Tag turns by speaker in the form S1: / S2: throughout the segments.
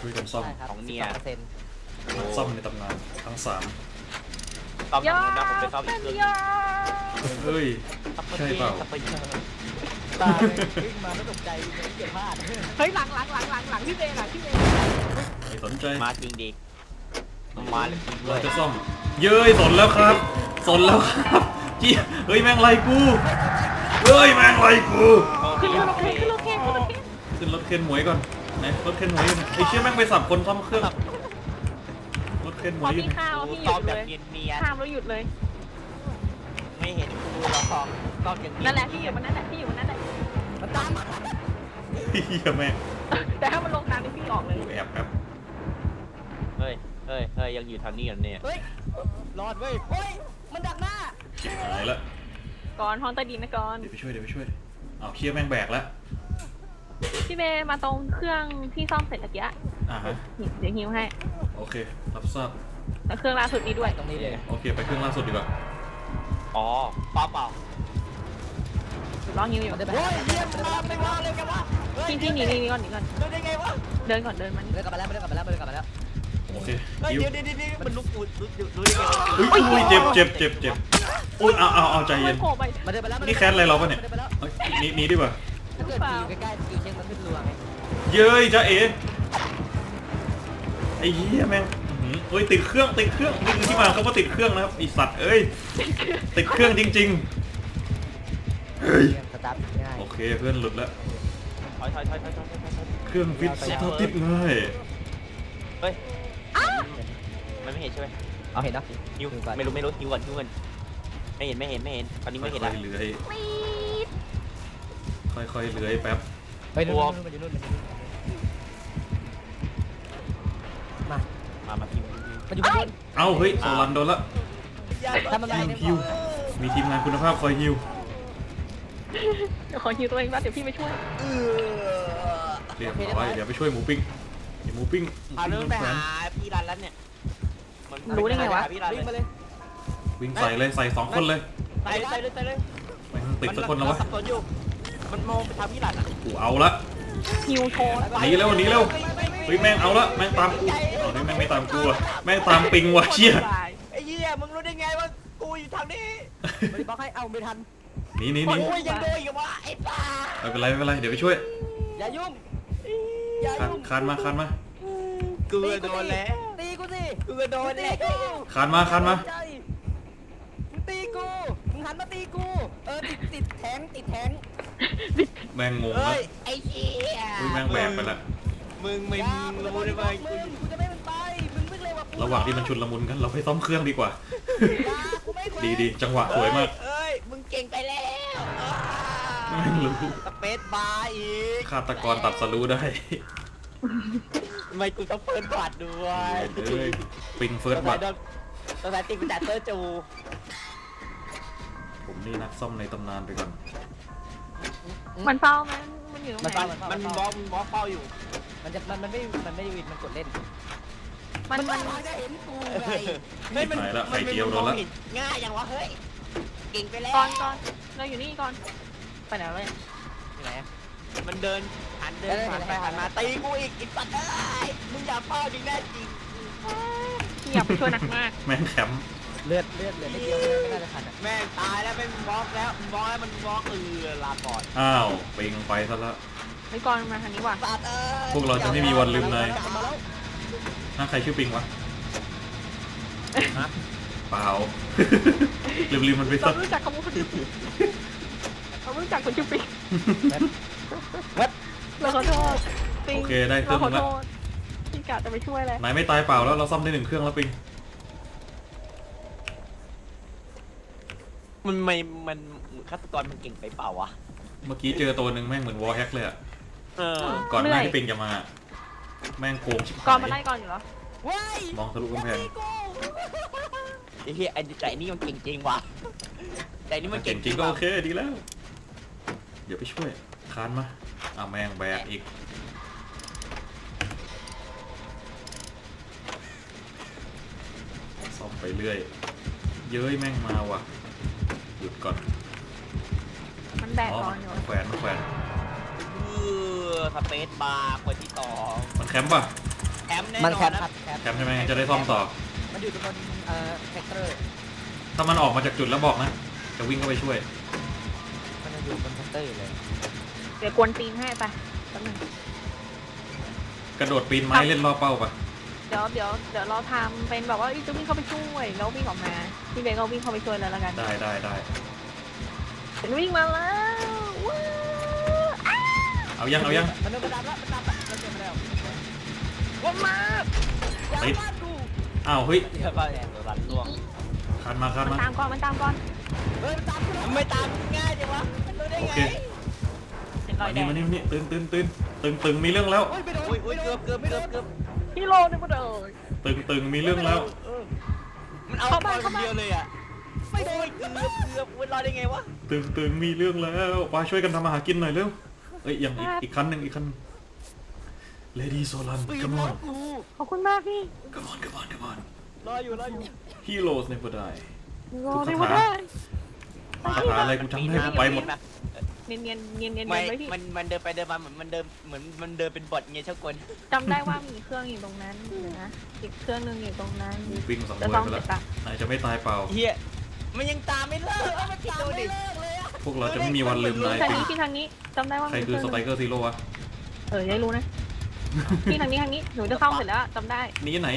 S1: ช่วยกันซ่อม
S2: ของเนี่ย
S1: นักซ่อมในตำนานทั้ง3
S2: ซ่อมทางนู้นนะผมไปซ่อมอีกเครื่องนึง
S1: เฮ้ยใช่เปล่า
S3: ตาวิ่งมาไม่ตกใจไม่เกี่ยวพลาด
S4: เฮ้ยหลังพี่เบย์หลังพี่เบย์
S1: ไม่สนใจ
S2: มาจริงดิมาเลยจริงด้ว
S1: เรา
S2: ย
S1: จะซ่อมเย้ยสนแล้วครับสนแล้วครับจี้เฮ้ยแม่งไล่กูเฮ้ยแม่งไล่กู
S4: ขึ้นรถเคนขึ้นรถเคนขึ้นรถเคน
S1: ขึ้นรถเคนหมวยก่อนไหนรถเคนหมวยอยู่ไหนไอ้เชี่ยแม่งไปสับคนซ่อมเครื่องรถเคนหม
S4: พ
S1: ว
S4: อย
S1: อยู่
S4: พี่
S1: ไหน
S4: ข้าวพี่ห
S2: ซ่
S4: ยุ
S2: อม
S4: ด
S2: แบ
S4: เล
S2: บ
S4: ย
S2: เนียน
S4: ข้ามแล้วหยุดเลย
S2: ๆไม่เห็นกูเราซ่อมอย่างนี้
S4: นั่นแหละพี่อยู่บนนั้นแหละพี่อยู่บนนั้นแหละ
S3: มันตามมา
S1: เฮียแม่ง
S4: แต่ถ้ามันลงน้ำนี่พี่ออกเลย
S1: กูแอบแป๊บ
S2: เฮ้ยยังอยู่ทางนี้กันเนี่ย
S3: เฮ้ยรอดเว้ยเฮ้ยมันดักหน้า
S1: ชิบหายละ
S4: ก่อนห้องใต้ดินนะก่อน
S1: เดี๋ยวไปช่วยเอาเชี่ยแม่งแบกแล้ว
S4: พี่เบย์มาตรงเครื่องที่ซ่อมเสร็จตะกี้
S1: ฮะ
S4: เดี๋ยวฮิวให้
S1: โอเครับทราบ
S4: แล้วเครื่องล่าสุดนี้ด้วย
S3: ตรงนี้เลย
S1: โอเคไปเครื่องล่าสุดดีกว่า
S2: อ๋อเปล่า
S4: รอฮิวอยู่
S3: มันจะไป
S2: เฮ้ยเยี่ยมมากไม่ว่าเลยกันวะ
S4: พี่หนีก่อน
S2: ดูได้ไงวะ
S4: เดินก่อนเดินมานี่
S3: เดินกลับมาแล้วเดินกลับมาแล้วเดินกลับมาแล้ว
S1: โอเค
S2: เฮ้ย
S1: ยิว
S2: เดี๋ยวมันลุกปูดรู้ได้ไงวะ
S1: อุ้ยเจ็บอุ้ยเอาใจเย็น
S4: โผล่ไป
S3: มันเดินไปแล้ว
S1: นี่แคสอะไรเราปะเนี่ย
S3: ดิไปแล้ว
S1: เฮ้ยหนีดีกว่า
S3: ถ้าเกิดอยู่ใกล้ๆสกิลเช็คมันขึ้นรัวไง
S1: เย้ยจ้าเอ๋ไอ้เหี้ยแม่งอื้อหือเฮ้ยติดเครื่องนี่คือที่มาเขาว่าติดเครื่องนะครับไอสัตว์เอ้ยติดเครื่องจริงๆเฮ้ย
S3: สตาร์ทง่าย
S1: โอเคเพื่อนหลุดแล้ว
S2: ถอย
S1: เครื่องฟิตสตาร์ทติดง่าย
S2: เฮ้ยมันไม่เห็นใช่ไหม
S3: เอาเห็นเนาะ
S2: ฮิวไม่รู้ฮิวก่อนไม่เห็นตอนนี้ไม่เห็น
S1: ค่
S2: ละ
S1: อยๆเลื้อยค่อยๆเลื้อยแป๊บ
S3: ไปนู่นมันอยู่นู่นมา
S2: พิมพ์
S3: มันอยู่ข้างบน
S1: เอ้าเฮ้ยโซลันโดนละ
S3: ทำอะไรเนี่ย
S1: ฮิวมีทีมงานคุณภาพคอยฮิว
S4: เดี๋ยวขอฮิวตัวเองบ้างเดี๋ยวพี่ไปช่วย
S1: เรียบร้อยเดี๋ยวไปช่วยหมูปิ้งหมูปิ้ง
S2: พาเรื่องไปหาพี่รันแล้วเนี่ยพี่รัน
S3: วิ่งมาเลย
S1: วิ่งใส่เลยใส่2คนเลย
S2: ใส่เลย
S1: แม่งติดสักคนแล้ววะ
S2: สับสนอยู่มันมองไปทางพี่รันอ่ะ
S1: กูเอาละ
S4: ฮิวโชว์
S1: หนีเร็วเฮ้ยแม่งเอาละแม่งตามกูเอาแม่งไม่ตามกูอะแม่งตามปิงว่ะเชี่ย
S2: ไอ้เหี้ยมึงรู้ได้ไงว่ากูอยู่ทางนี้
S3: ไม่ได้บล็อกให้เอาไม่ทัน
S1: หนี
S2: โอ้ยยังโดนอีกวะไอ้ป้า
S1: ไม่เป็นไรเดี๋ยวไปช่วย
S3: อย่ายุ่ง
S1: คานมา
S2: กูโดนแล้ว
S3: ตีกูสิ
S2: กูโดนแล้ว
S1: คานมา
S3: มึงตีกูมึงหันมาตีกูติดแทง
S1: แม่งงงแล้ว
S2: เฮ้ยไอ้เหี้ย
S1: อุ้ยแม่งแบกไปละ
S2: มึงไม่รู้ได้ไหม
S3: กูจะไม่มันไปมึงวิ่งเร็วกว่ากู
S1: ระหว่างที่มันชุนละมุนกันเราไปซ่อมเครื่องดีกว่า
S3: กูไม่
S1: ดีจังหวะสวยมาก
S2: เอ้ยมึงเก่งไปแล้ว
S1: แม่งรู้
S2: สเปซบาร์อีก
S1: ฆาตกรตัดสรู้ได้
S2: ทำไมกูต้องเปิดบัตรด้วย
S1: เอ้ยปิงเฟิร์สบัต
S2: ตัวไหนตีกูจัดเตอร์จู
S1: ผมนี่นักซ่อมในตำนานไปก่อน
S4: มันเฝ้าไหมมันอยู่ตรงไหน
S2: มันบล็อกเป้าอยู่
S3: มันไม่วินมันกดเล่น
S4: มัน
S3: จะเห็นกูไง
S2: ง่ายอย่างวะเฮ้ยเก่งไปแล้ว
S4: ก่อนเราอยู่นี่ก่อนไปไหนวะเนี่ย
S3: ที่ไหน
S2: มันเดินผ่านไปผ่านมาตีกูอีกปัดเอ้ยมึงอย่าเป้าดิแน่จริง
S4: พี่อยากไปช่วยหนักมาก
S1: แม่งแคมป์
S3: เลือดไม่เดียวไม่น่าจะทัน
S2: แม่งตายแล้วไม่บล็อกแล้วบล็อกแล้วมันบล็อกลาก่อน
S1: อ้าวปิงไปซะละ
S4: ไปก่อนมาทางนี้ว่ะ
S2: ปัดเอ้ย
S1: พวกเราจะไม่มีวันลืมนาย
S3: มาแล้ว
S1: ถ้าใครชื่อปิงวะเปล่า ลืมมันไป
S4: เรา
S1: ซะ
S4: รู้จักคำว่าคนชื่อปิ๊กเรารู้จักคนชื่อปิ๊กเราขอโทษปิ๊ง
S1: โอเคได้เครื่
S4: เรา
S1: อง
S4: ขอ
S1: นึง
S4: โท
S1: ละ
S4: ษพี่กะจะไปช่วยเลย
S1: นายไม่ตายเปล่าแล้วเราซ่อมได้1เครื่องแล้วปิง
S2: มันฆาตกรมันเก่งไปเปล่าวะ
S1: เมื่อกี้เจอตัวหนึ่งแม่งเหมือนวอลแฮกเลยอะ
S2: เออ
S1: ก่อนหน้าที่ปิงจะมา แม่งโกงชิบ
S4: ก่อ
S1: หาน
S4: มาไล่
S1: ย
S4: ก่อนอยู่เหรอ
S3: ว้าย
S1: มองทะลุกำแพง
S2: ไอ้เหี้ยไอ้แต่นี่มันเก่งจริงว่ะแต่นี่มัน
S1: เก่
S2: เก่
S1: ง
S2: ง
S1: จริงก็โอเคดีแล้ว เดี๋ยวไปช่วยคานมาแม่งแบกอีกซ่อมไปเรื่อยเย้ยแม่งมาว่ะหยุดก่อน
S4: มันแบกก่อนอยู่
S1: มันแขวน
S2: สเปซบาร์คนที่2
S1: มันแคมป์ป่ะ
S2: มป์แน่น
S3: มัน
S2: อ
S3: แคป
S2: น
S3: ครั
S2: นะ
S3: บแคป
S1: แคมป์ใช่ไหมจะได้ซ่อมต่อ
S3: มันอยู่ตรงบนแท็กเตอร์
S1: ถ้ามันออกมาจากจุดแล้วบอกนะจะวิ่งเข้าไปช่วย
S3: มันยังอยู่บนแท็กเตอร์อยู่เลย
S4: เดี๋ยวกวนตีนให้ไปแป๊บนึง
S1: กระโดดปีนไม้เล่นล่อเป้าปะ
S4: เดี๋ยวเราทำเป็นแบบว่าจะวิ่งเข้าไปช่วยแล้ววิ่งออกมาพี่เบย์ก็วิ่งเข้าไปช่วยเลยแล้วกัน
S1: ได้
S4: ฉันวิ่งมาแล้วว้าวอ้า
S1: เอายัง
S3: มันโดนกระดับแล้วมันดับแล้วมันเจ็บไปแล้ว
S4: วนมา
S3: อย่า
S1: ติด
S3: บ้านกู
S1: อ้าวเฮ้ย
S2: เดี๋ยวก็แอนตัวรันล่วง
S1: คันมา
S4: มันตามก่อนมันตามก่อน
S3: เฮ้ยมันตามกูแล้ว
S2: มันไม่ตามง่ายจังวะมันรู้ได้
S1: โอ
S2: ไง
S1: เค
S4: เป็นรอยแด
S1: มาง นี่ตึงมีเรื่องแล้ว
S3: โอ้ยไปโดน
S2: อุ้ยเกือบ
S4: พี่โลนึกว่าเดิน
S1: ตึงมีเรื่องแล้ว
S2: มันเอา
S4: เข้า
S2: ไป
S4: บ้าน
S2: คน
S4: เข้าบ้าน
S2: เดียวเลยอ่ะไม่โดนเกือบรอดได้ไงวะ
S1: ตึงมีเรื่องแล้วไปช่วยกันทำอาหารกินหน่อยเร็วเอ้ยยังอีกคันหนึ่งLady Solan
S3: ปืน
S1: come
S3: ล้อ
S1: on
S3: กู
S4: ขอบคุณมากพี่
S1: come on
S3: รออยู่
S1: Heroes never die
S4: โลนึกว่าได้
S1: คาถาอะไรกูจำได้กูไปหมด
S4: เนียนๆ
S2: ไม่
S4: ไว้พี่
S2: มันเดินไปเดินมาเหมือนมันเดินเป็นบอทไงเช่ากล
S4: จำได้ว่ามีเครื่องอยู่ตรงนั้นนะอีกเครื่องนึงอยู่ตรงนั้น
S1: วิ่งสัง
S4: จะ
S1: เวย
S4: ต้อง
S1: ไป
S4: เสร็
S1: แล้ว
S4: จปะ
S1: นายจะไม่ตายเปล่า
S2: เฮียมันยังตามไม่เลิกมันตามไม่เลิกเลยอ่ะ
S1: พวกเราจะไม่มีวันลืมนาย
S4: ทาง
S1: ปิง
S4: นี้ที่ทางนี้จำได้ว่า
S1: ใคร
S4: มี
S1: คือ
S4: เค
S1: ส
S4: รื่อง
S1: ไต
S4: นึง
S1: เกอร์ซีโร่วะ
S4: ได้รู้นะที่ทางนี้หนูจะเข้าเสร็จแล้วจำได้
S1: นี่ไหน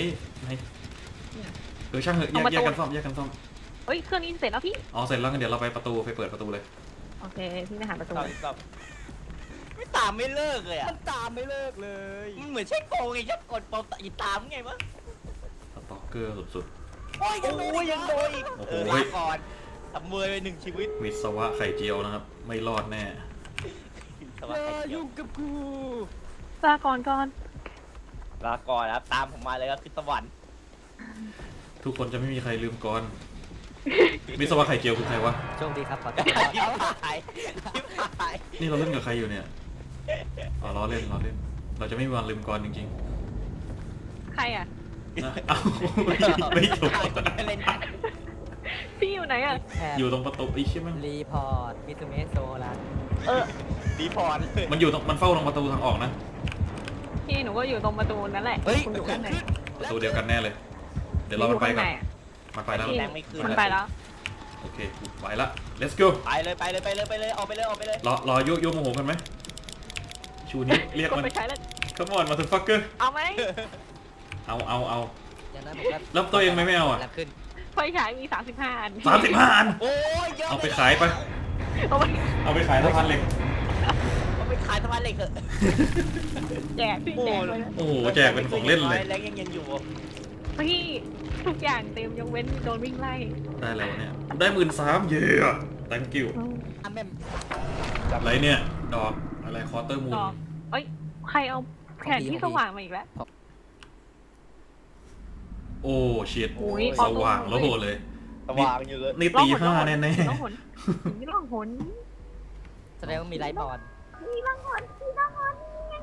S1: ช่างเหอะแยกกันซ่อม
S4: เฮ้ยเครื่องนี้เสร็จแล้วพี่
S1: อ๋อเสร็จแล้วงั้นเดี๋ยวเราไปเปิดประตูเลย
S4: โอเคพี่ไปหาประตู
S2: ตอบไม่ตามไม่เลิกเลยอ่ะ
S3: มันตามไม่เลิกเลย
S2: มันเหมือนใช่โกงไงชักกดปอมตามไงวะ
S1: สตอกเกอร์สุด
S2: โอ้ยยังโดนอีก
S1: โอ้โห
S2: ลาก่อนทำเมยไปหนึ่งชีวิต
S1: ๆวิศวะไข่เจียวนะครับไม่รอดแน่
S2: ส
S3: อ
S2: วัส
S3: ย่า
S2: ดี
S3: ยุ่งกับกู
S4: ลาก่อน
S2: ลาก่อนครับตามผมมาเลยก็คือสวรรค์
S1: ทุกคนจะไม่มีใครลืมก่อนวิศวะไข่เจียวคือใครวะ
S3: โชคดีครับขอโทษ
S2: ยิบหาย
S1: นี่เราเล่นกับใครอยู่เนี่ยอ๋อล้อเล่นเราจะไม่มีวันลืมก่อนจริง
S4: ใครอ่ะ
S1: ๆนะเอ้าไม่จบ
S2: เล่นกัน
S4: พี่อยู่ไหนอ่ะ
S3: แถบ
S1: อยู่ตรงประตูไอ้เชี่ยมัน
S3: รีพอร์ตมิสเมโซลัน
S2: ดีพอร์ตเลย
S1: มันเฝ้าตรงประตูทางออกนะ
S4: พี่หนูก็อยู่ตรงประตูนั่นแหละ
S3: เฮ้ย
S4: คุณอยู่ข้างใน
S1: ประตูเดียวกันแน่เลย เดี๋ยวเรามันไปก่อน
S4: พี่ยู่ข้างในอะ
S1: มันไปแล้ว
S4: พี่
S2: แรงไม่ขึ้น
S4: มันไปแล้ว
S1: โอเคไปละ let's go
S2: ไปเลยออกไปเลย
S1: รอโยโมโหกันไหมชูนิ้วเรียก
S4: กด
S1: มัน
S4: ไปใช้แล้ว
S1: come on motherfucker
S4: เอาไหม
S1: เอา
S3: อย่างนั้นผมก็
S1: แล้วตัวเองไม่เอาอ่ะ
S3: แล้วขึ้น
S4: ไฟฉายมี35 อัน
S1: 35 อัน
S2: โอ้ยเยอะ
S1: เอาไปขายไป
S4: เอาไป
S1: ขายสะพานเหล็ก
S2: เอาไปขายสะพานเหล็กเถอะ
S4: แจกพี่แจกเลยนะ
S1: โอ้โหแจกเป็นของเล่นเลย
S2: แรงยังอยู่
S4: พี่ทุกอย่างเต็มยกเว้นโดนวิ่งไล่
S1: ได้แล้วเนี่ยได้13,000เย้ thank you
S3: อันแม่ม
S1: อะไรเนี่ยดอกอะไรคอเตอร์มูน
S4: ต่อเอ้ยใครเอาแผนที่สว่างมาอีกแล้ว
S1: โอ้ชิต
S4: โอ้ย
S1: สว่างแล้วโหเลย
S2: สว่างอยู่เลย
S1: นี่ตีห้าแน่
S4: ล่องหนนี่ล่องหน
S3: แสดงว่ามีไลท์บอล
S4: นี่ล่องหนนี่ล่องหน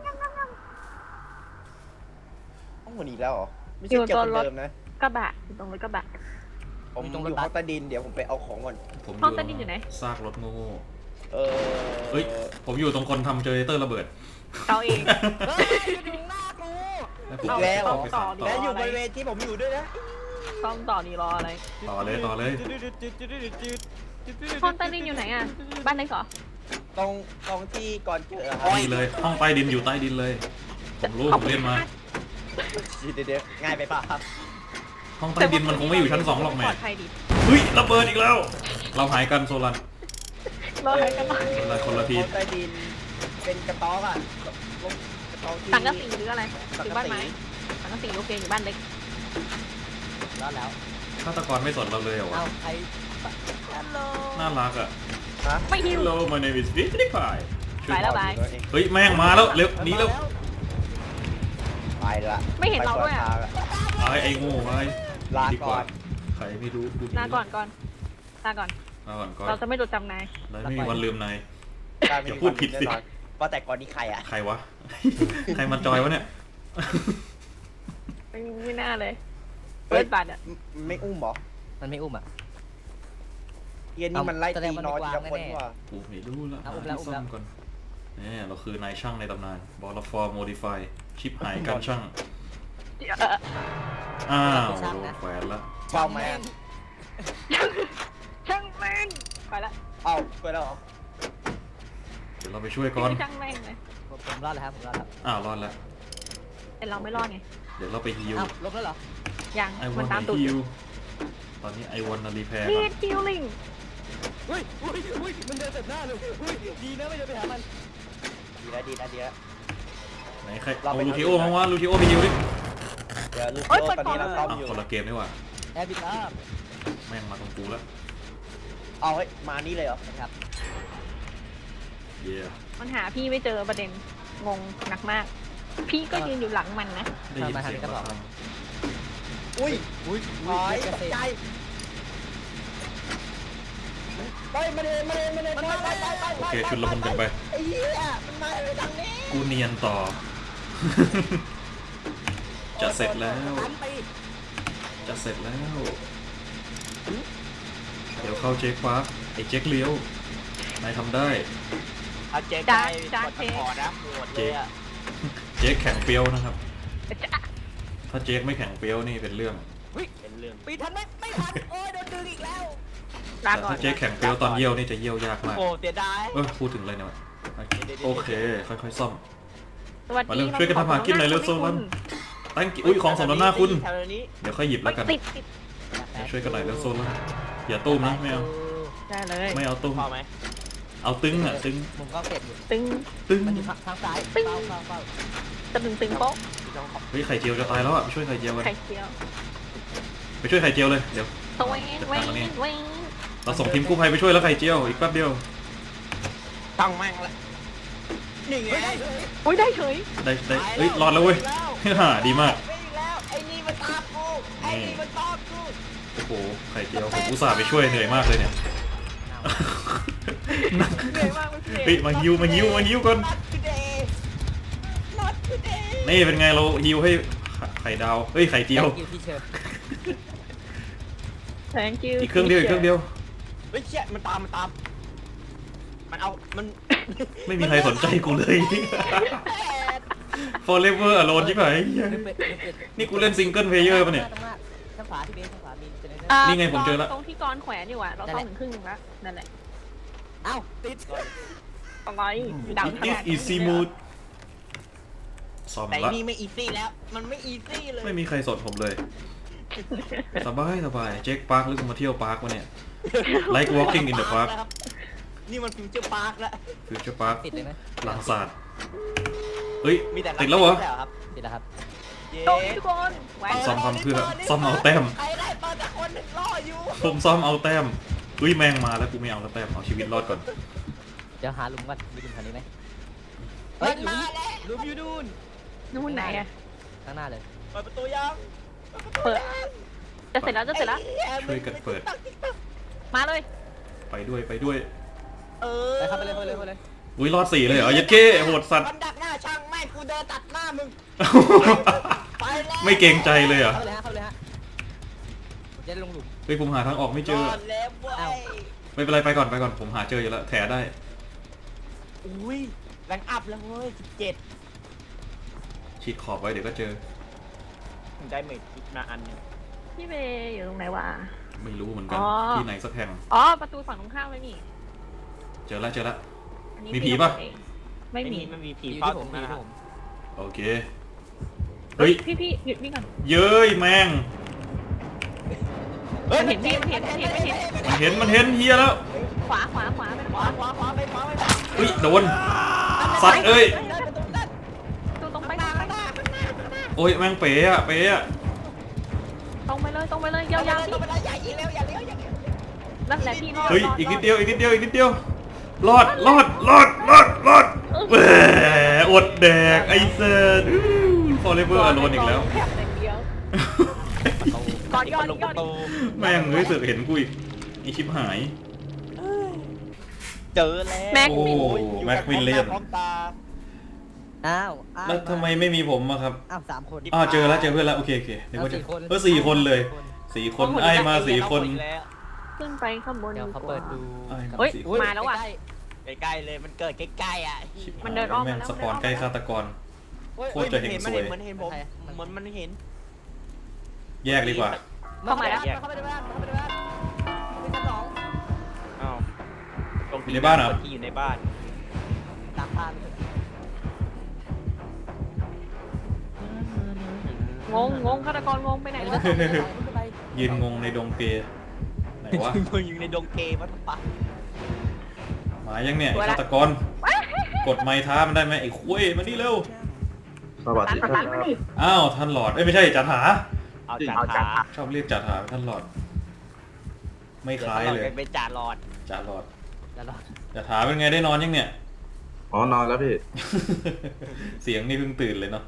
S5: ห้องหมุนอีกแล้วเหรอ ไม่ใช่เกี่ยวกับเดิมนะ
S4: กระบะอยู่ตรงรถกระบะ
S5: ผมอยู่ห้องใต้ดินเดี๋ยวผมไปเอาของก่อน
S1: ๆผม
S4: ห้องใต้ดินอยู่ไหน
S1: ซากรถโง่
S5: เออ
S1: เฮ้ยผมอยู่ตรงคนทำเจเนเรเตอร์ระเบิด
S4: เราเอง
S3: เฮ้ยอยู่หน้ากู
S5: อีกแล้วเหรอ
S1: ไปสานต่อ
S5: และอยู่บริเวณที่ผมอยู่ด้วยนะ
S4: ต้องต่อนี่รออะไร
S1: ต่อเลย
S4: ห้องใต้ดินอยู่ไหนอ่ะบ้านเล็กเหรอ
S5: ตรงที่ก่อนเจอครับ
S1: นี่เลยห้องใต้ดินอยู่ใต้ดินเลยผมรู้ผมเล่นมา
S5: เดี๋ยวง่ายไปป่ะครับ
S1: ห้องใต้ดินมันคงไม่อยู่ชั้น2หรอกแม่
S4: ปลอดภัยดิ
S1: เฮ้ยระเบิดอีกแล้ว เราหายกันโซลัน
S4: รออะไรกันล่ะ
S1: คนละที
S5: ห้องใต้ดินเป็นกระต๊อบอ่ะกระต๊อบที่
S4: สังกะสีหรืออะไรอยู่บ้านไม้สังกะสีโอเคอยู่บ้านเล็ก
S3: รอดแล้ว
S1: ฆาตกรไม่สนเราเลยเหรอวะ
S3: เอาใคร
S4: ฮัลโหล
S1: น่ารักอ่ะ
S5: ฮะ
S4: ไม่หิว
S1: Hello my name is Fitty Pie
S4: ไปแล้วบาย
S1: เฮ้ยแม่งมาแล้วเร็วหนีเร็ว
S5: ไปละ
S4: ไม่เห็นเราด้วยอ่ะ
S1: ไอ้โง่ไป
S5: ลา
S1: ดีก
S5: ก่อ
S1: ว่าน ใครไม่รู้ดู
S4: ลาก่อนลาก่อน
S1: ลาก่อนก่อน
S4: เราจะไม่จดจำนาย
S1: เราไม่มีวันลืมนาย
S5: ได้ไม่
S1: อย่า
S5: มี
S1: พูดผิดสิ
S5: แน่นอนว่าแต่ก่อนนี้ใครอ่ะ
S1: ใครวะ ใครมันจอยวะเนี่ย
S4: ไม่น่าเลยเปิดบัตรอ่ะ
S5: ไม่อุ้มเหรอ
S3: มันไม่อุ้มอ่ะ
S5: เย็นนี่มันไล่
S3: แสด
S5: ตี
S3: งมัน
S5: นอน
S3: ไม่
S5: ทีละ
S3: วาง
S5: คน
S3: แน่ๆ
S5: ว่ะ
S1: กูไม่รู้ละ
S3: เอาอุ้มแล้ว
S1: ซ่อมก่อนเนี่ยเราคือนายช่างในตำนานบอลฟอร์โมดิฟายชิปหายการช่างอ้าวโดนแขวนละ
S5: เฝ้าแม่ง
S4: ช่างแม่งไปละ
S5: เอ้าไปแล้วเหรอ
S1: เดี๋ยวเราไปช่วยก่อน
S4: ช่างแม่งเลย
S3: ผมรอดแล้วครับผมรอดแล้ว
S1: อ้าวรอดแล้ว
S4: แต่เราไม่รอดไง
S1: เดี๋ยวเราไปฮิว
S3: อ้าวลบแล้วเหรอ
S4: ยัง
S1: ไอว
S4: มั
S1: อน น
S4: ตามตูด
S1: ฮิวตอนนี้ไอวอนรีแพร์
S4: นี
S1: ก่อน
S4: ดฮิลลิ่ง
S3: อุ้ยมันเดินเต็มหน้าเลยอุ้ยดีนะไม่เดินไปหามัน
S5: ดีแล้วดีแล้วดีแล้ว
S1: ไหนใครเอาลูทิโอมั้งวะลูทิโอไปฮิวดิ
S5: เดี๋ยวลูกโซ่ตอนนี้เราซ้อม
S1: อ้าว
S5: อยู่
S1: คนละเกมนี่หว่า
S3: แอร์บิทอัพ
S1: แม่งมาตรงกูแล้ว
S5: เอาเฮ้ยมานี่เลยเหรอ
S3: นะครับ
S1: เย่
S4: มันหาพี่ไม่เจอประเด็นงงหนักมาก พี่ก็ยืนอยู่หลังมันนะ
S1: ได้ยินเสียงมาทาง
S5: อุ้ย
S3: อุ้ย
S5: ถอยตกใจไปมาเลยไป
S1: โอเคชุดละมุนกันไป
S5: ไอ้เหี้ยมันมาเลยทางนี้
S1: กูเนียนต่อ จะเสร็จแล้ว
S3: ตันไป
S1: จะเสร็จแล้ว เดี๋ยวเข้าเจ๊กฟ้าไอ้เจ๊กเลี้ยวนายทำได้
S2: เอาเจ๊ได้กดขอนะโหดเลยอะ
S1: เจ๊กแข็งเปรี้ยวนะครับ
S4: จะ
S1: ถ้าเจ๊กไม่แข็งเปรี้ยวนี่เป็นเรื่อง
S2: เป็นเรื่อง
S3: ปีทันไหมไม่ทันโอ้ยโดนดึงอีกแล้ว
S4: ลา
S1: แต่
S4: ก่อน
S1: ถ้าเจ๊กแข็งเปรี้ยวตอนเยี่ยวนี่จะเยี่ยวยากมาก
S2: โอ้เสียดาย
S1: พูดถึงเลยนะโอเค ค่อยๆซ่อม
S4: สวัส
S1: มา
S4: ดี
S1: เร็วช่วยกันทำหากินหน่อยเร็วโซลัน ตั้งอุ้ยของสมน้ำหน้าคุณ
S2: แถวนี้
S1: เดี๋ยวค่อยหยิบแล้วกัน
S4: ติด
S1: ช่วยกันหน่อยเร็วโซลันอย่าตุ้มนะไม่เอา
S4: ได้เลย
S1: ไม่เอาตุ้ม
S2: พอไหม
S1: เอาตึงอ่ะตึง
S3: มุมกล้องเก็บอยู่
S4: ตึง
S1: ตึง
S3: มันอยู่ทางซ้ายเฝ้า
S4: ตึงโป๊ะ
S1: เฮ้ยไข่เจียวจะตายแล้วอ่ะไปช่วยไข่เจียวกัน
S4: ไข่เจียว
S1: ไปช่วยไข่เจียวเลยเดี๋ยว
S4: ตัวเว้งเว้ง
S1: เราส่งทีมกู้ภัยไปช่วยแล้วไข่เจียวอีกแป๊บเดียว
S2: ตั้งแม่งละนี่ไง
S4: อุ้ยได้เฉย
S1: ได้เฮ้ยรอดแล้วเว้ย ฮ่าดีมาก
S2: ไม่อีกแล้วไอ้นี่มันตามกูไอ้นี่มันตามกู
S1: โอ้โหไข่เจียวผมอุตส่าห์ไปช่วยเหนื่อยมากเลยเนี่ย
S4: เหนื่อยมากเลย
S1: เฮ้ยมาฮิวก่อน
S2: Not today Not today
S1: นี่เป็นไงเราฮิวให้ไข่ดาวเฮ้ยไข่เจียว
S3: อยู่ที่เชิญ
S4: thank you
S1: อีกเครื่องเดียว
S2: เฮ้ยเชี่ยมันตามมันเอามัน
S1: ไม่มีใครสนใจกูเลย Forever Alone ใช่ไหม นี่กูเล่นซิงเกิลเพลเยอร์ป่ะเนี่ย
S3: ทางขวาที่เบสทางขวามีเจเนเรเตอร์
S1: นี่ไงผมเจอละ
S4: ตรงที่กรแขวนอยู่อะเราซ่อมถึงครึ่งนึงแล้วนั่นแหละ
S3: เอ้าติด
S4: อะไรดังข
S1: It
S4: นา
S1: is
S4: ดนี้
S1: easy mode ซ่อม
S2: แต่
S1: ละ
S2: นี่ไม่อีซี่แล้วมันไม่อีซี่เลย
S1: ไม่มีใครสนผมเลย สบายเจ๊กปาร์คหรือกูมาเที่ยวปาร์ควะเนี่ย Like walking in the park
S2: นี่มันฟิวเจอร์พาร์คแล้ว
S1: Future Park
S3: ติดเลยไหม
S1: หลังศาสตร์เฮ้ย
S2: มีแต่
S1: ติดแล้วเหรอ
S2: ครับ
S3: ติดแล้วครับ
S2: เย้
S4: โตทุกคนแหวน
S1: ซ่อมทำเพื่อซ่อมเอาแต้ม
S2: ใครได้ตอนแต่คนหนึ่งรออยู่
S1: ผมซ่อมเอาแต้มเฮ้ยแมงมาแล้วกูไม่เอาแล้วแต้มเอาชีวิตรอดก่อน
S3: เดี๋ยวหาหลุมก่อนมีหลุมแถวนี้ไหม
S2: มันมาแล้ว
S3: หลุมอยู่นู่น
S4: นู่นไหนอะ
S3: ข้างหน้าเลย
S2: เปิดประตูยัง
S4: เปิดจะเสร็จแล้วจะเสร็จแล้ว
S1: ช่วยกันเปิด
S4: มาเลย
S1: ไปด้วย
S2: เออ
S3: ไปครับไปเลย
S1: อุ้ยรอด4เลยเหรอยัดเก้โหดสัตว์
S2: มันดักหน้าช่างแม่งกูเดินตัดหน้ามึงไปแล้ว
S1: ไม่เกรงใจเลยเหรอ
S3: เข้าเลยฮะจะได้ลงหลุม
S1: เฮ้ยผมหาทางออกไม่เจอ
S2: รอดแล้วเว้
S3: อ้าว
S2: ย
S1: ไม่เป็นไรไปก่อนผมหาเจออยู่แล้วแถได้
S2: อุ้ยแรงอัพแล้วเว้ย17
S1: ฉีดขอบไว้เดี๋ยวก็เจอ
S2: ผมได้เมจอีกมาอันหนึง
S4: พี่เบย์อยู่ตรงไหนวะ
S1: ไม่รู้เหมือนกัน
S4: อ๋อ
S1: ที่ไหนสักแห่ง
S4: อ๋อประตูฝั่งตรงข้ามเลยนี่
S1: เจอแล้ว
S4: อันนี้
S1: มีผีปะ
S4: ไม่มี
S2: มันมีผี
S3: อยู่
S2: เฝ้า
S3: ที่
S2: ต
S3: ผ
S2: ร
S3: ม
S2: ง
S3: มี
S2: นั้น
S3: ที่ผม
S1: โอเคเฮ้ย
S4: พี่หยุดนี่ก่อน
S1: เย้ยแมง
S4: มันเห็นพี่มันเห็น
S1: มันเห็นเฮียแล้ว
S4: ขวาไป
S2: ข
S4: ขวาว
S2: าไป
S1: เฮ้ยโดนสัตว์เอ้ย
S2: ได้ประตูด้าน
S4: ตูตรงไป
S2: ข้างหน้า
S1: โอ้ยแมงเป๋อะ
S4: ตรงไปเลยยาวๆพี่
S2: ต้องไปแล้วอย่ายิงแล้วอย่าเลี้ยวอย่าเลี้ยว
S4: นั่นแหละพี่รอด
S1: เฮ้ย
S4: รอด
S1: อีกนิดเดียวรอดแหมอดแดกไอ้เซน Forever Alone อีกแล้ว
S4: แค่อย่างเดียวก่อน
S2: ลงประตู
S1: แม่งเฮ้ยเสือกเห็นกูอีกอีชิบหาย
S2: เจอแล้ว
S4: แม็ก
S1: โอ้
S4: มิน
S1: แม็กวินเลียน
S2: พร้อมตา
S3: อ้าว
S1: แล้วทำไมไม่มีผมอะครับ
S3: อ้าว3 คน
S1: เจอแล้วเพื่อนแล้วโอเคนึกว่าจะ
S3: เอา4 คน
S1: 4 คนเลย4 คนไอ้มา4 คน
S4: ขึ้นไปข้างบน
S3: เดี๋ยวเขาเปิดดู
S4: เฮ้ย
S1: 4
S4: มาแล้วว่ะ
S2: ใกล้ๆเลยมันเกิดใกล้ๆอ่ะ
S1: ชิบหาย
S4: มันเดินอ้อมมา
S1: แม่ง
S4: แล้ว
S1: สปอนใกล้ฆาตกรโคตรจะเฮงซวย
S2: เหมือนเห็นผมเหมือนมันเห็น
S1: แยกดีกว่า
S3: เข้ามาแล้วเข้าไปในบ้านเข้าไปในบ้านเป็นชั้นสอง
S2: อ้าว
S1: อยู่ในบ้านเหรอ
S2: ที่อยู่ในบ้าน
S3: ตามบ้านเลย
S4: งงฆาตกรงงไปไหน
S3: ไป
S4: วะ
S3: ไป
S1: ยืนงงในดงเกย์ไหนวะ
S2: มึงอยู่ในดงเกย์วัดปะ
S1: มายังเนี่ยไอ้ฆาตกร กดไม้ท้ามันได้ไหมไอ้คุยมานี่เร็ว
S6: สวัสดีครับ
S1: อ้าวท่านหลอดเอ้ยไม่ใช่จัดหา
S2: เอาจ่าขา
S1: ชอบเรียกจัดหาเป็นท่านหลอด ไม่คล้ายเลย
S2: เป็นจ่าหลอด
S1: จัดหลอด
S3: แล้วรอ
S1: จัดหาเป็นไงได้นอนยังเนี่ย
S6: อ๋อนอนแล้วพี่
S1: เสียงนี่เพิ่งตื่นเลยเนาะ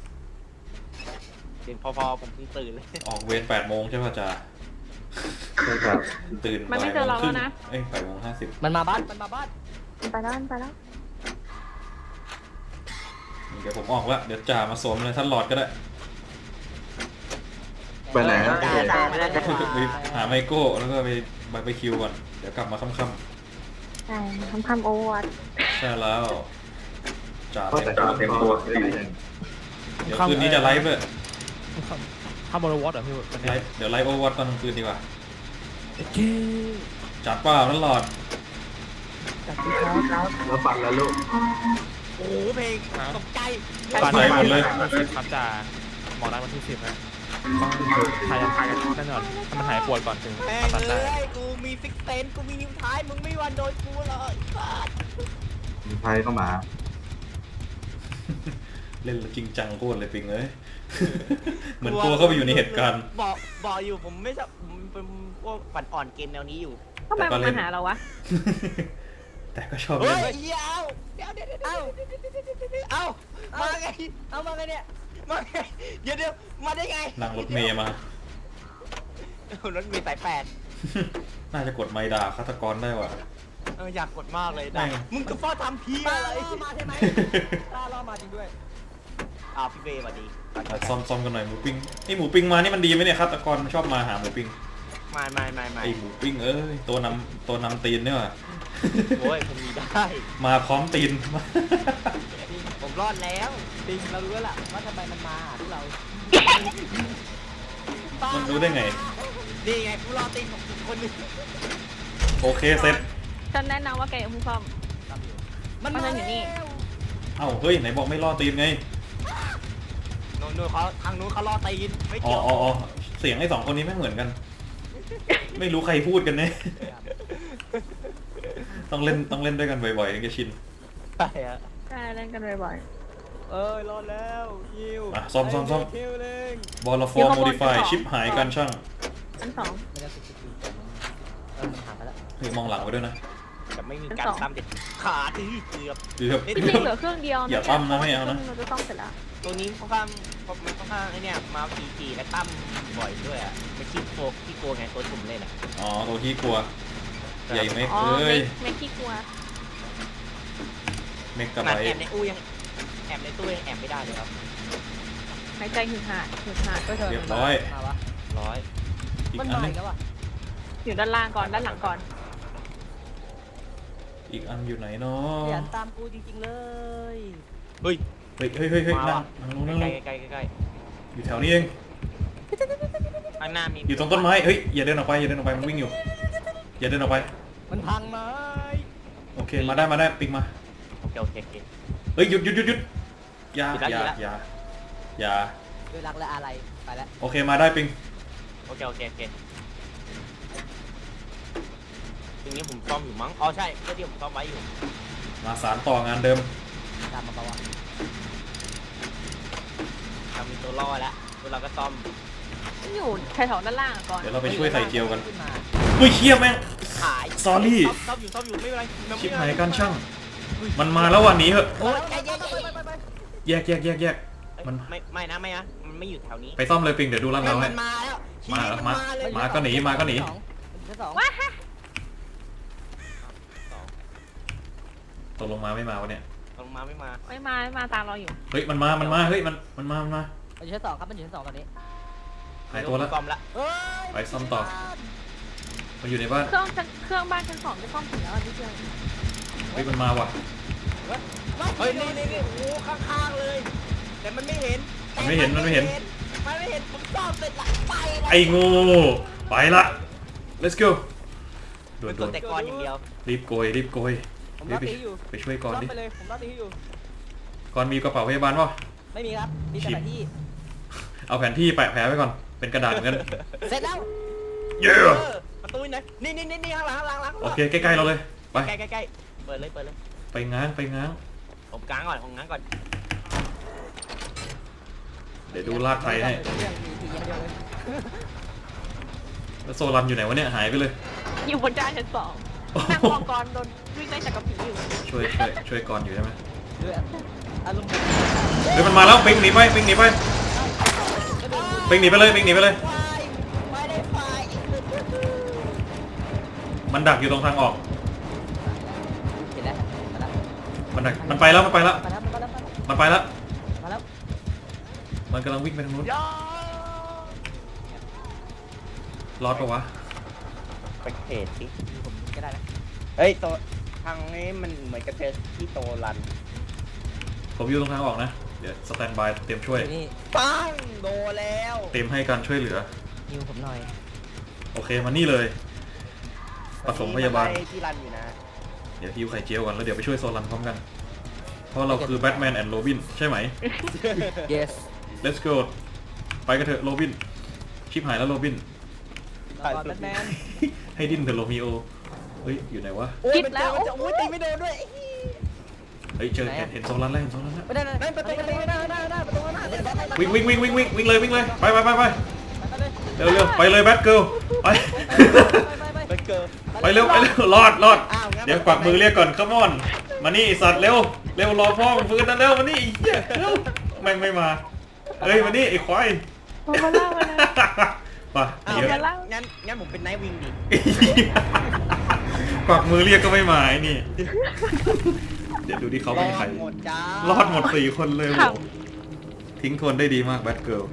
S2: เสียงพอผมเพิ่งตื่นเลย
S1: ออกเวร8 โมงใช่ป่ะจ๊ะ
S6: ใช่ครับ
S1: ตื่น
S4: มันไม่เจอเราแล้วนะ
S1: เอ้ย8 โมง 50
S3: มันมาบ้านมันมาบ้าน
S4: ไปแล้วไปแล้ว
S1: เดี๋ยวผมออกละเดี๋ยวจ่ามาสวมเลยท่านหลอดก็ได้
S6: ไปไหนครับพี่
S1: ไปหาไมโก้แล้วก็ไปบาร์บีคิวก่อน เดี๋ยวกลับมาค่ำ
S4: ใช่ทำโอวัต
S1: ๆใช่แล้วจ่า
S6: ก็
S1: เต็
S6: แต่
S1: ม
S6: ง
S1: ตัว
S6: เต็มตัวได้ไง
S1: เดี๋ยวคืนนี้จะไลฟ์ด้วย
S7: ข้ามบอลวอตเหรอพี่วัน
S1: ไล
S7: นี้
S1: ฟ์เดี๋ยวไลฟ์โอวัตตอนกลางคืนดีกว่า
S7: เจ๊
S1: จัดเปล่าท่านหลอด
S3: จากที่เขา
S6: แล้วปัดแล้วลูก
S2: โอ้โหเพลงตกใจ
S1: ตกใจหมดเลย
S7: ครับจ่าหมอนัดวันที่10นะต้องทายกันแน่นอนถ้ามันหายปวดก่อนถึง
S2: แม่ง
S7: ตัด
S2: เล
S7: ได้
S2: ยกูมีฟิกเซนกูมีนิ้วท้ายมึงไม่วันโดนกูหรอกไอ้สัส
S6: มีไทยเข้ามา
S1: เล่นจริงจังโคตรเลยปิงเอ้ย เหมือนตัวเข้าไปอยู่ในเหตุการณ์
S2: บอกอยู่ผมไม่ชอบผมเป็นพวกปั่นอ่อนเกมแนวนี้อยู่
S4: ทำไมมันมาหาเราวะ
S1: แต่ก็ชอบ
S2: เฮ้
S1: เล่น
S2: ยเดี๋ยวเอ้ามาไง
S3: เอามาไงเนี่ย
S2: มาไงเดี๋ยวมาได้ไง
S1: นั่งรถเมย์มา
S2: รถเมย์สายแปด
S1: น่าจะกดไมค์ด่าฆาตกรได้ว่ะ
S2: อยากกดมากเลย
S1: แม่
S2: นะ
S1: ง
S2: มึงกับพ่อทำเพี้ย
S3: ตา
S2: อะไร
S3: ล่อมาใช่ไหมตาล่อมาจริงด้วย
S2: พี่เบย์สวัสดี
S1: ซ่อมกันหน่อยหมูปิ้งไอหมูปิ้งมานี่มันดีไหมเนี่ยฆาตกรชอบมาหาหมูปิ้ง
S2: ไม่
S1: ไอหมูปิ้งเอ้ยตัวนำตีนเนี่ยว่ะ
S2: โอ้ยผมมีได้
S1: มาพร้อมตีน
S2: ผมรอดแล้ว
S3: จริงเรารู้แล้วล่ะว่าทำไมมันมาหาพวกเรา
S1: มันรู้ได้ไง
S2: นี่ไงกูรอตีนของคนหนึ่ง
S1: โอเคเสร็จ
S4: ฉันแนะนำว่าแกอย่าเพิ่งซ่อม
S3: มัน
S4: มัน
S3: มา
S4: อยู่นี่
S3: แล้ว
S1: เอ้าเฮ้ยไหนบอกไม่ล่อตีนไง
S2: นู้นเขาทางนู้นเขารอตีนไม่
S1: อ๋อ
S2: เกี่ยว
S1: อ๋อเสียงไอ้2 คนนี้ไม่เหมือนกัน ไม่รู้ใครพูดกันเนี่ย ต้องเล่นด้วยกันบ่อยๆถึงจะชิน
S2: ใช่ฮะ
S4: ใช่เล่นกันบ่อย
S3: เอ้ยรอดแล้วยิว
S1: อ่ะซ่อม
S3: คิวเลย
S1: บอลฟอร์โมดิฟายชิปหายกันช่าง
S4: ๆอันสอง
S3: ไม่ได้ติดมันหาไปแล้ว
S1: เฮ้ยมองหลังไว้ด้วยนะ
S2: จะไม่มีการซ้ำเด็ดขาดที่เกือบ
S1: เกือบ
S4: จริงๆเหลือเครื่องเดียว
S1: อย่าตั้มนะไม่เอานะ
S4: เราจะต้องเสร็จแล้ว
S2: ตัวนี้ค่อนข้างมันค่อนข้างไอเนี่ยมาทีและตั้มบ่อยด้วยอ่ะไม่ขี้โกขี้กลัวไงตัวผมเล่นอ่ะ
S1: อ๋อตัวที่กลัว ใหญ่เมก
S4: อ๋อ
S1: เอ้ย
S4: ไม่ขี้กลัว
S1: เมก
S2: ข
S1: กะไบ
S2: นาดแอบในอู้ยังแอบในตู้ยังแอบไม่ได้เลยครับ
S4: หายใจหึดหาด
S3: ก็เธอ
S1: เรียบร้อย
S3: มาวะ
S2: ร้อย
S1: อีก
S3: มัน
S1: อัน
S3: มา
S1: นึ
S3: อี
S1: ง
S3: กแล้ววะ
S4: อยู่ด้านล่างก่อนด้านหลังก่อน
S1: อีกอันอยู่ไหนเนา
S3: ขยั
S1: ะ
S3: นตามกูจริงๆเลย
S2: เฮ้ย
S1: เฮ้ย
S2: มา
S1: นั่
S2: ว่ะ
S1: งลงนั่งล
S2: ใกล้
S1: ง
S2: ใกล้ใกล้
S1: อยู่แถวนี้เอง
S2: ข้างหน้ามี
S1: อยู่ตรงต้นไม้เฮ้ยอย่าเดินออกไปมันวิ่งอยู่อย่าเดินออกไป
S3: มันพังไหม
S1: โอเคมาได้ปิงมา
S2: โอเค
S1: เฮ้ยหยุดอย่า
S2: หยุดละ
S1: อย่า
S3: ด้วยรักและอะไรไปแล้ว
S1: โอเคมาได้ปิง
S2: โอเคตรงนี้ผมซ่อมอยู่มั้งอ๋อใช่เพื่อที่ผมซ่อมไว้อยู่
S1: มาสารต่องานเดิม
S3: ตามมาปะวะ
S2: เรามีตัวล่อแล้วตัวเราก็ซ่อม
S4: อยู่แถวๆด้านล่างอะก่อน
S1: เดี๋ยวเราไปช่วยใส่เจียวกัน
S3: ขึ้นมา
S1: เฮ้ยเชี่ยแม่ง
S2: ขาย
S1: Sorry
S2: ซ่อมอยู่ไม่เป็นไรมัน
S1: ชิ
S2: ไม่
S1: บ
S2: เป็นไร
S1: หายกันช่างมันมาแล้ววันนี้เหอะ
S2: โอ้ยใจเย็น
S1: แยกมัน
S2: ไม่นะมันไม่อยู่แถวนี้
S1: ไปซ่อมเลยปิงเดี๋ยวดูร้านเราให้
S2: มันมาแล้ว
S1: มาเหรอ
S2: มันมาเลย
S1: มาก็หนีมาก็หนี
S3: ชั้นสอง
S4: ว้า
S1: ตกลงมาไม่มาวะเนี่ย
S2: ลงมาไม่มา
S4: ไม่มาตามเราอยู่
S1: เฮ้ยมันมาเฮ้ยมันมา
S3: มันอยู่ชั้นสองครับมันอยู่ชั้นสองตอนนี้
S1: หายตัวแล้ว
S2: ซ่อมละ
S3: เฮ้ย
S1: ไปซ่อมต่อ มันอยู่ในบ้าน
S4: เครื่องบ้านชั้นสองจะซ่อมถึงแล้วอันนี้เดียว
S1: เฮ้ยมันมาว่ะ
S2: เฮ้ยนี่โอ้โหข้างๆเลย
S5: แต่มันไม่เห็น
S1: มันไม่เห็น
S5: มันไม่เห็นผมซ่อมเสร็จละไปละ
S1: ไอ้งูไปละ let's go ด่ว
S2: มัน น
S1: ด่
S2: ก
S1: ว
S2: ด
S1: น
S2: แต่กรอย่างเดียว
S1: รีบโกยรีบโกย
S3: ผม
S1: รี
S3: ร
S1: บ
S3: อ
S1: ไป
S3: ตีอยู่
S1: ไปช่วยก่อน
S3: รอ
S1: ดิ
S3: ไปเลยผมรอตีอยู่
S1: ก่อนมีกระเป๋าพยาบาลป่ะ
S3: ไม่มีครับมีแต่แผนที่
S1: เอาแผนที่แปะแผลไว้ก่อนเป็นกระดาษเหมือนกัน
S3: เสร็จแล้ว
S1: เย้
S2: ประตูไหนนี่ข้างหลัง
S1: โอเคใกล้ๆเราเลยไป
S2: ใกล้เปิดเลย
S1: ไปง้างไปง้าง
S2: ผมกลางก่อนผมง้างก่อน
S1: เดี๋ยวดูลากไทยให้
S3: เรื่องมีทีอย่างเดียวเลย
S1: แล้วโซลันอยู่ไหนวะเนี่ยหายไปเลย
S4: อยู่บนด้านชั้น 2นั่งมองกรโดนวิ่งไล่จากกระผีอยู่
S1: ช่วยก่อนอยู่ใช่ไหม
S3: ด้วยอารมณ์แบบ
S1: เฮ้ยมันมาแล้วปิงหนีไปปิงหนีไปปิงหนีไปเลยปิงหนีไปเลย
S5: ไม่ได้ไฟ
S1: มันดักอยู่ตรงทางออก
S3: เห็นแล้วมาแล้ว
S1: มันดักมันไปแล้วมันไปแล้ว
S3: มาแล้วมาแล้ว
S1: มันไปแล้ว
S3: มาแล้ว
S1: มันกำลังวิ่งไปทางนู้นรอดปะวะ
S5: ไปเทสสิ
S3: ผมก็ได้นะ
S5: เฮ้ยโตทางนี้มันเหมือนกับเจอที่โตรัน
S1: ผมอยู่ตรงทางออกนะเดี๋ยวสแตนบายเตรียมช่วย
S3: นี่
S5: ปังโดนแล้ว
S1: เตรียมให้การช่วยเหลือ
S3: ฮิวผมหน่อย
S1: โอเคมานี่เลยปฐมพยาบาล
S5: มันไล่ที่รันอยู่นะ
S1: เดี๋ยวฮิวไข่เจียวกันแล้วเดี๋ยวไปช่วยโซลันพร้อมกัน เพราะเราคือแบทแมนแอนด์โรบินใช่ไหม
S3: yes
S1: let's go ไปกันเถอะโรบินชิบหายแล้วโรบิน
S3: ก่อนแบทแมน
S1: ให้ดิ้นเถอะโรมิโอเฮ้ยอยู่ไหนวะ
S5: โอ้ยมันเจอมันจะโอ้ยตีไม่โดนด้วย
S1: เฮ้ยเจอเห็นโซลันแล้วเห็นโซลันแล้ว
S3: ไม่ได้
S5: นั่นประตูประตูหน้าประตูหน้า
S1: วิ่งเลยไปเร็วไปเลยแบทเกิลไป
S5: ไปเกิด
S1: ไปเร็วรอดเดี๋ยวกวักมือเรียกก่อนคัมอนมานี่ไอ้สัตว์เร็วรอพ่อมันฟื้นนั่นเร็วมานี่ไอ้เหี้ยเร็วแม่งไม่มาเอ้ยมานี่ไอ้ควาย
S4: มาเล่ามาเลย
S1: มา
S5: อ้าว
S1: เดี๋ยว
S5: งั้นผมเป็นไนท์วิงดิ
S1: กวักมือเรียกก็ไม่มาไอ้นี่เดี๋ยวดูดิเขาเป็นใคร
S5: หมดจ้าร
S1: อดหมด4 คนเลยโหทิ้งทวนได้ดีมากแบทเกิล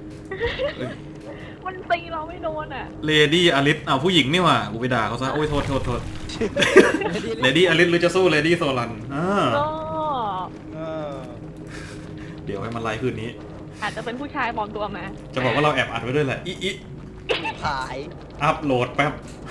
S4: มันตีเราไม่โดนอ่ะ
S1: เลดี้อลิสผู้หญิงนี่หว่ากูไปด่าเขาซะโอ้ยโทษเลดี้อลิสหรือจะสู้เลดี้โซลัน
S4: ก็
S5: เออ
S1: เดี๋ยวให้มันไล่คืนนี้
S4: อาจจะเป็นผู้ชายปลอมตัวมา
S1: จะบอกว่าเราแอบอัดไว้ด้วยแหละอี
S5: ขาย
S1: อัพโหลดแป๊บ